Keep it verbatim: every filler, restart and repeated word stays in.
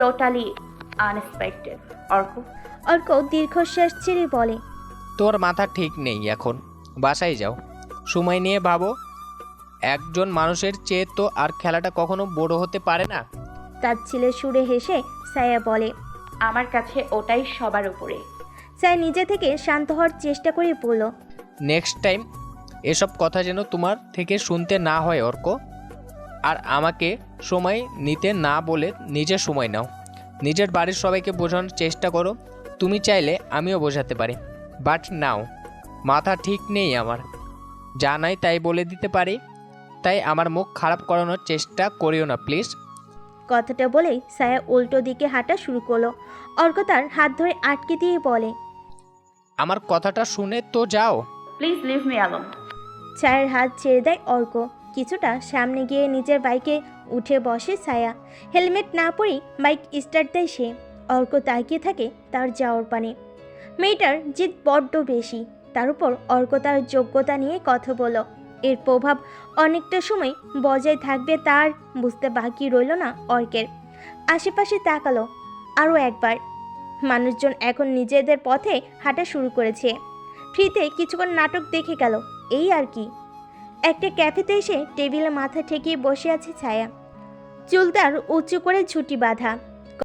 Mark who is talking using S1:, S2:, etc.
S1: Totally unexpected. Arka,
S2: Arka দীর্ঘশ্বাস ছেড়ে বলে,
S3: তোর মাথা ঠিক নেই এখন, বাসায় যাও, সময় নিয়ে ভাবো। একজন মানুষের চেয়ে তো আর খেলাটা কখনো বড় হতে পারে না।
S2: তার ছেলে সুরে হেসে সায়া বলে,
S1: আমার কাছে ওটাই সবার উপরে।
S2: সায়া নিজে থেকে শান্ত হওয়ার চেষ্টা করে বলল,
S3: নেক্সট টাইম এসব কথা যেন তোমার থেকে শুনতে না হয় অর্ক। আর আমাকে সময় নিতে না বলে নিজের সময় নাও। নিজের বাড়ির সবাইকে বোঝানোর চেষ্টা করো। তুমি চাইলে আমিও বোঝাতে পারি, বাট নাও মাথা ঠিক নেই আমার, যা নাই তাই বলে দিতে পারি। তাই আমার মুখ খারাপ করানোর চেষ্টা করিও না প্লিজ।
S2: কথাটা বলেই সায়া উল্টো দিকে হাঁটা শুরু করলো। অর্ক তার হাত ধরে আটকে দিয়ে বলে,
S3: আমার কথাটা শুনে তো যাও।
S1: Please leave me alone.
S2: ছায়ার হাত ছেড়ে দেয় অর্ক। কিছুটা সামনে গিয়ে নিজের বাইকে উঠে বসে ছায়া। হেলমেট না পরেই বাইক স্টার্ট দেয় সে। অর্ক তাকিয়ে থাকে তার যাওয়ার পানে। মেয়েটার জিদ বড্ড বেশি, তার উপর অর্ক তার যোগ্যতা নিয়ে কথা বলল। এর প্রভাব অনেকটা সময় বজায় থাকবে তার বুঝতে বাকি রইল না অর্কের। আশেপাশে তাকালো আরও একবার। মানুষজন এখন নিজেদের পথে হাঁটা শুরু করেছে। ফ্রিতে কিছুক্ষণ নাটক দেখে গেল, এই আর কি। একটা ক্যাফেতে এসে টেবিলে মাথা ঠেকিয়ে বসে আছে ছায়া। চুল তার উঁচু করে ছুটি বাঁধা,